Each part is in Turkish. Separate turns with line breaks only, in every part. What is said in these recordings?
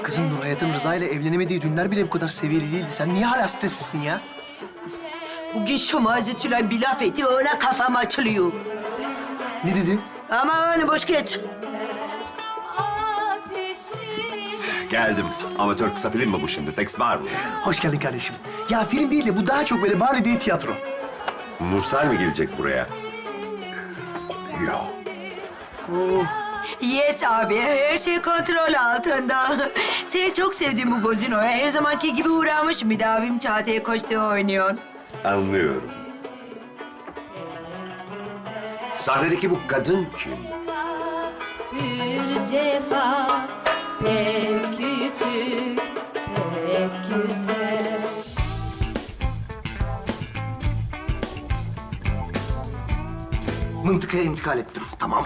Kızım Nur Hayat'ın Rıza ile evlenemediği günler bile bu kadar seviyeli değildi. Sen niye hala streslisin ya?
Bugün şu Mazetülen bir laf etti, öyle kafam açılıyor.
Ne dedi?
Ama onu boş geç.
Geldim. Amatör kısa film mi bu şimdi? Tekst var mı?
Hoş geldin kardeşim. Ya film değil de bu daha çok böyle bari diye tiyatro.
Nursel mi gelecek buraya? Yok.
Yes abi, her şey kontrol altında. Seni çok sevdiğim bu gazinoya her zamanki gibi uğramış müdavim Çağatay'a koştu oynuyorsun.
Anlıyorum. Sahnedeki bu kadın kim?
Bir cefa pek küçük, pek güzel.
Mıntıkaya intikal ettim. Tamam.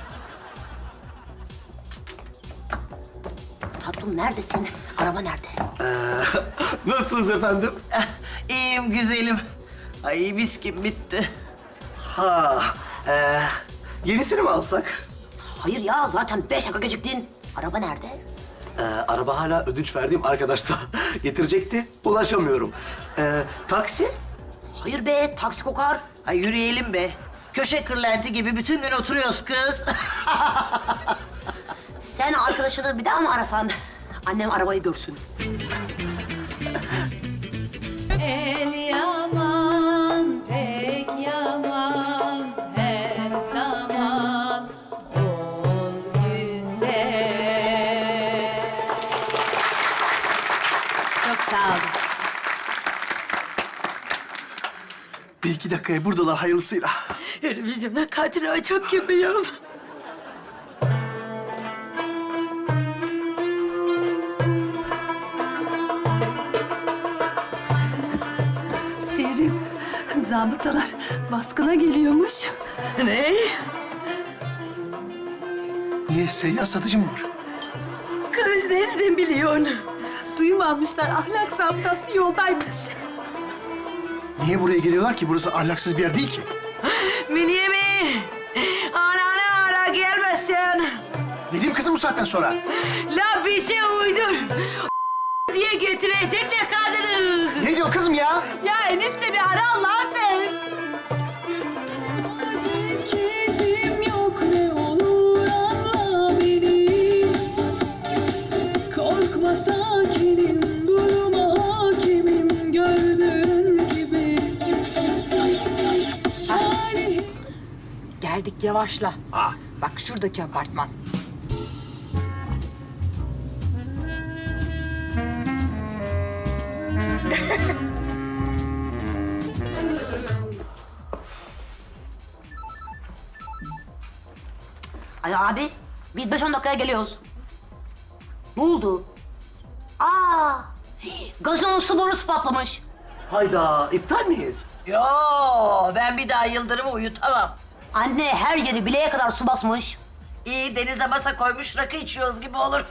Tatlım neredesin? Araba nerede?
Nasılsınız efendim?
İyiyim güzelim. Ay viskim bitti.
Ha, yenisini mi alsak?
Hayır ya zaten 5 dakika geciktin. Araba nerede?
Araba hala ödünç verdiğim arkadaş da getirecekti. Ulaşamıyorum. Taksi?
Hayır be taksi kokar. Ay yürüyelim be. Köşe kırlenti gibi bütün gün oturuyoruz kız. Sen arkadaşını bir daha mı arasan? Annem arabayı görsün.
El yaman, pek yaman, her zaman ol güzel. Çok sağ olun.
Bir iki dakikaya buradalar hayırlısıyla.
Televizyona kadro çok gibiyim.
Serin, zabıtalar baskına geliyormuş.
Ne?
Niye? Seyyar satıcı mı var?
Kız nereden biliyorsun?
Duyum almışlar, ahlak zabıtası yoldaymış.
Niye buraya geliyorlar ki? Burası ahlaksız bir yer değil ki.
Münyemin! Ananı ara gelmesin.
Ne diyeyim kızım bu saatten sonra?
La bir şey uydur. diye getirecekler kadını.
Ne diyor kızım ya?
Ya enişte bir ara Allah sen.
Keyfim yok ne olur anla beni. Korkma sakinim, duruma hakimim gördüğün gibi.
Geldik yavaşla. Bak şuradaki apartman.
Ay abi, biz 5-10 dakikaya geliyoruz. Ne oldu? Aa, gazonun su borusu patlamış.
Hayda, iptal miyiz?
Yo, ben bir daha Yıldırım'ı uyutamam. Anne her yeri bileğe kadar su basmış. İyi denize masa koymuş rakı içiyoruz gibi olur.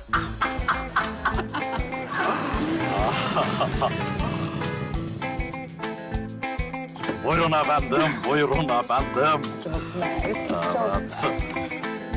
Buyurun efendim, buyurun efendim.
Çok mersi, çok.
Evet.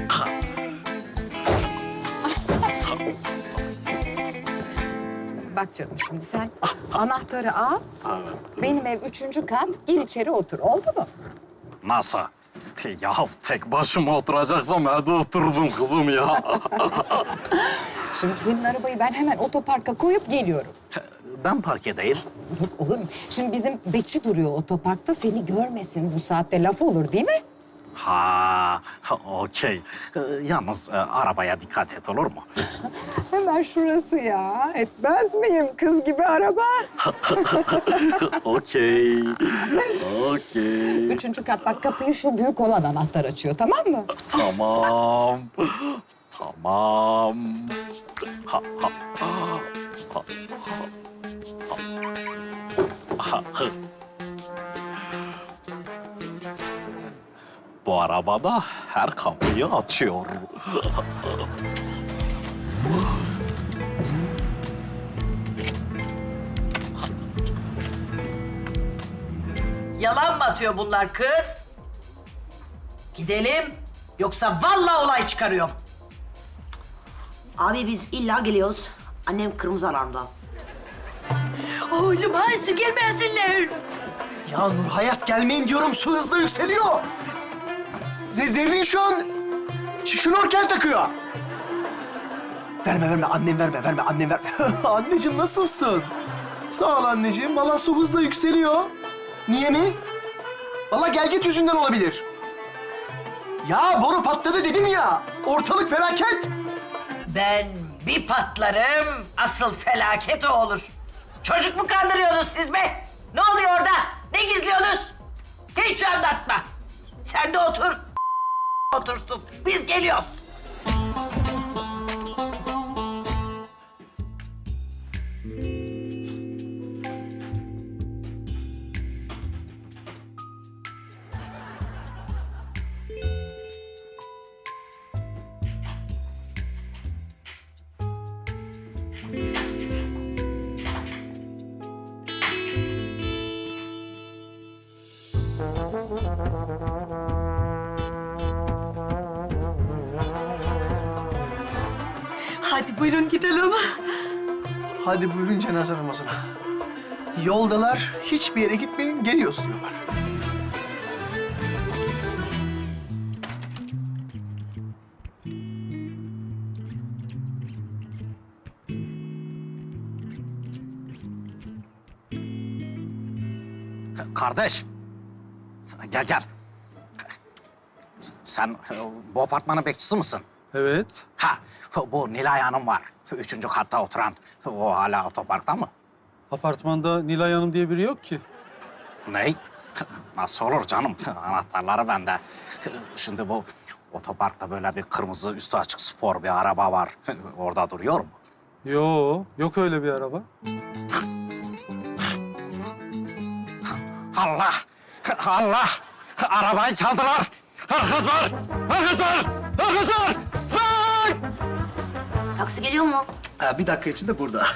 Bak canım şimdi sen anahtarı al. Benim ev 3. kat. Gir içeri otur. Oldu mu?
Nasıl? Ya tek başıma oturacaksam hadi oturdum kızım ya.
Şimdi senin arabayı ben hemen otoparka koyup geliyorum.
Ben parke değil.
Yok olur mu? Şimdi bizim bekçi duruyor otoparkta. Seni görmesin bu saatte laf olur değil mi?
Ha, okey. Yalnız arabaya dikkat et olur mu?
Hemen şurası ya. Etmez miyim kız gibi araba?
Okey. Okey.
3. kat bak kapıyı şu büyük olan anahtar açıyor tamam mı?
Tamam. Tamam. Ha, ha. Ha, ha. Ha. Bu arabada her kapıyı açıyor.
Yalan mı atıyor bunlar kız? Gidelim, yoksa vallahi olay çıkarıyorum. Abi biz illa geliyoruz. Annem kırmızı alarmda. Oğlum ay su gelmesinler.
Ya Nur Hayat gelmeyin diyorum, su hızla yükseliyor. Zerrin şu an şnorkel takıyor. Verme annem verme annem verme. Anneciğim nasılsın? Sağ ol anneciğim. Vallahi su hızla yükseliyor. Niye mi? Vallahi gelgit yüzünden olabilir. Ya boru patladı dedim ya. Ortalık felaket.
Ben bir patlarım, asıl felaket o olur. Çocuk mu kandırıyorsunuz siz be? Ne oluyor orada? Ne gizliyorsunuz? Hiç anlatma. Sen de otur. Otursun. Biz geliyoruz.
Hadi buyurun gidelim.
Hadi buyurun cenaze namazına. Yoldalar, hiçbir yere gitmeyin, geliyoruz diyorlar.
Kardeş. Gel. Sen bu apartmanın bekçisi misin?
Evet.
Ha, bu Nilay Hanım var. 3. katta oturan. O hala otoparkta mı?
Apartmanda Nilay Hanım diye biri yok ki.
Ney? Nasıl olur canım? Anahtarları bende. Şimdi bu otoparkta böyle bir kırmızı üstü açık spor bir araba var. Orada duruyor mu?
Yok öyle bir araba.
Allah! Arabayı çaldılar! Hırsızlar! Hey!
Taksi geliyor mu?
Bir dakika içinde burada.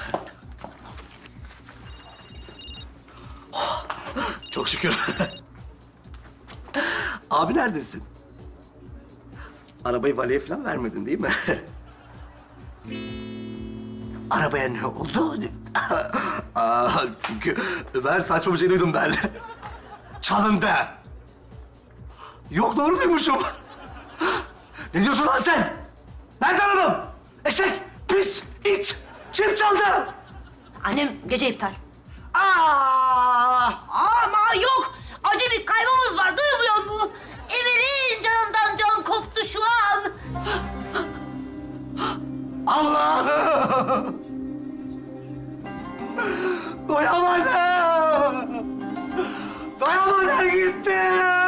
Oh, çok şükür. Abi neredesin? Arabayı valeye falan vermedin değil mi? Arabaya ne oldu? Çünkü ben saçma bir şey duydum ben. Çalındı. Yok doğru duymuşum. Ne diyorsun lan sen? Nerede arabam? Eşek, pis, it. Kim çaldı?
Annem gece iptal.
Aa!
Ama yok. Acı bir kaybımız var. Duymuyor musun? Emir'in canından can koptu şu an.
Allah'ım! Doyamadım! Doyamadım gitti!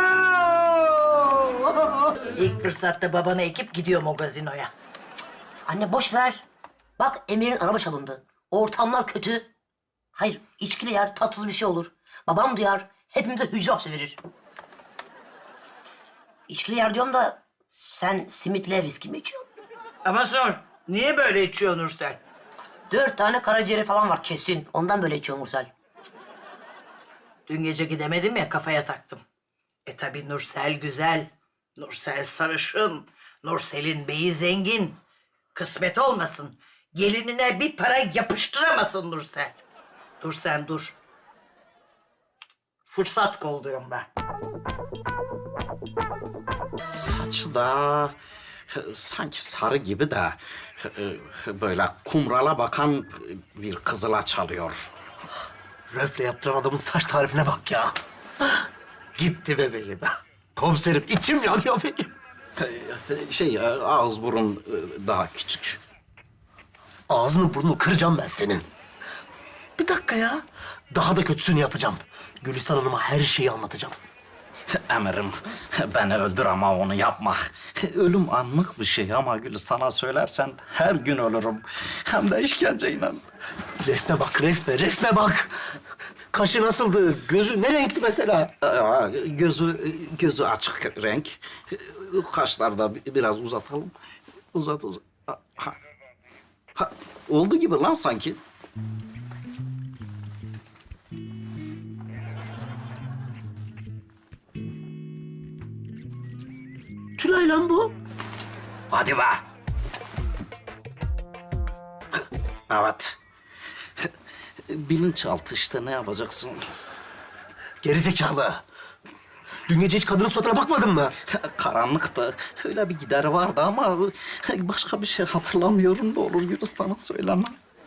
İlk fırsatta babanı ekip gidiyorum o gazinoya. Anne boş ver. Bak Emir'in araba çalındı. Ortamlar kötü. Hayır içkili yer tatsız bir şey olur. Babam duyar hepimize hücre hapsi verir. İçkili yer diyorum da sen simitle viski mi içiyorsun?
Ama sor, niye böyle içiyor Nursel?
4 tane karaciğeri falan var kesin. Ondan böyle içiyor Mursel.
Dün gece gidemedim ya, kafaya taktım. Tabii Nursel güzel, Nursel sarışın, Nursel'in beyi zengin. Kısmet olmasın, gelinine bir para yapıştıramasın Nursel. Dur sen dur. Fırsat kolluyorum ben.
Saçı da sanki sarı gibi de böyle kumrala bakan bir kızıla çalıyor.
Röfle yaptıran adamın saç tarifine bak ya. Gitti bebeğim. Komiserim içim yanıyor benim.
Ağız burun daha küçük.
Ağzını burnunu kıracağım ben senin. Bir dakika ya. Daha da kötüsünü yapacağım. Gülistan Hanım'a her şeyi anlatacağım.
Emirim, beni öldür ama onu yapma. Ölüm anlık bir şey ama Gülistan'a söylersen her gün ölürüm. Hem de işkenceyle.
Resme bak, resme bak. Kaşı nasıldı? Gözü ne renkti mesela?
Gözü açık renk. Kaşları da biraz uzatalım. Uzat. Oldu gibi lan sanki.
Tülay lan bu.
Hadi be. Evet. Bilinçaltı işte, ne yapacaksın?
Gerizekalı. Dün gece hiç kadının suratına bakmadın mı?
Karanlıktı. Öyle bir gideri vardı ama başka bir şey hatırlamıyorum. Ne olur Gülistan'a söyleme.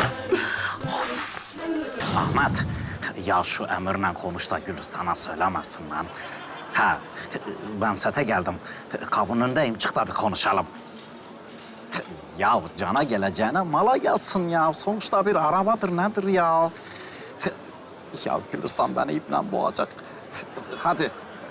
Ahmet, ya şu Emir'le konuş da Gülistan'a söylemesin lan. Ha, ben sete geldim. Kapının önündeyim. Çık da bir konuşalım. Ya cana geleceğine mala gelsin ya. Sonuçta bir arabadır, nedir ya? Ya Gülistan beni iple boğacak. Hadi.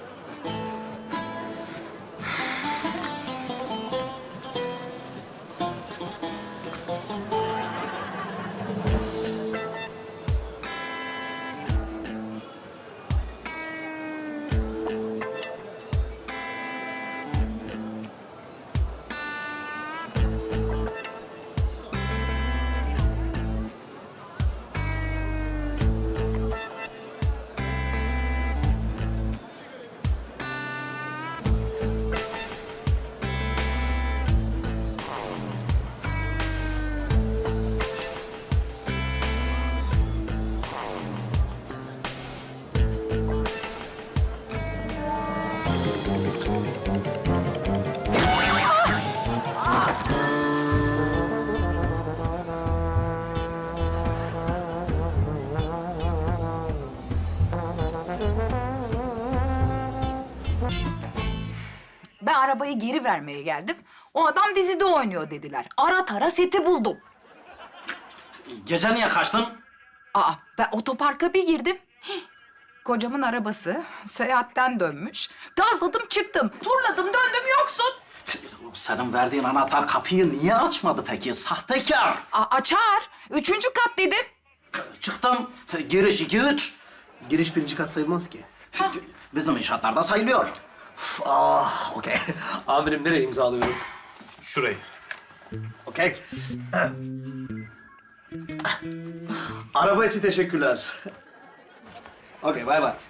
Ben arabayı geri vermeye geldim. O adam dizide oynuyor dediler. Ara tara seti buldum.
Gece niye kaçtın?
Aa, ben otoparka bir girdim. Hih, kocamın arabası seyahatten dönmüş. Gazladım çıktım. Turladım döndüm yoksun.
Senin verdiğin anahtar kapıyı niye açmadı peki? Sahtekar.
Açar. 3. kat dedim.
Çıktım. Giriş 2-3.
Giriş 1. kat sayılmaz ki.
Bizim inşaatlarda sayılıyor.
Okey. Amirim nereye imzalıyorum?
Şurayı.
Okey. Araba için teşekkürler. Okey, bay bay.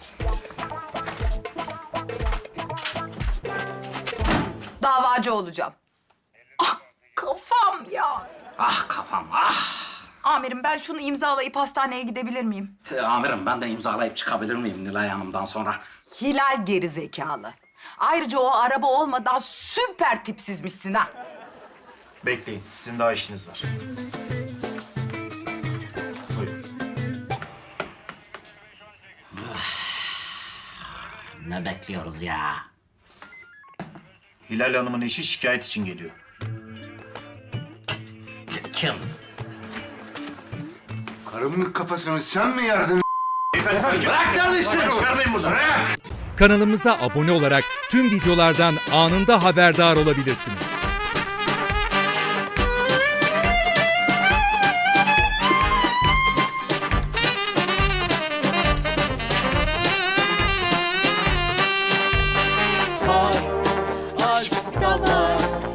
Davacı olacağım. Ah kafam ya.
Ah kafam, ah.
Amirim ben şunu imzalayıp hastaneye gidebilir miyim?
Amirim, ben de imzalayıp çıkabilir miyim Nilay Hanım'dan sonra?
Hilal gerizekalı. Ayrıca o araba olmadan süper tipsizmişsin ha.
Bekleyin, sizin daha işiniz var. Buyurun.
Ne bekliyoruz ya?
Hilal Hanım'ın eşi şikayet için geliyor.
Kim?
Karımın kafasını sen mi yardın?
Bırak kardeşim! Çıkarmayın buradan! Bırak!
Kanalımıza abone olarak tüm videolardan anında haberdar olabilirsiniz.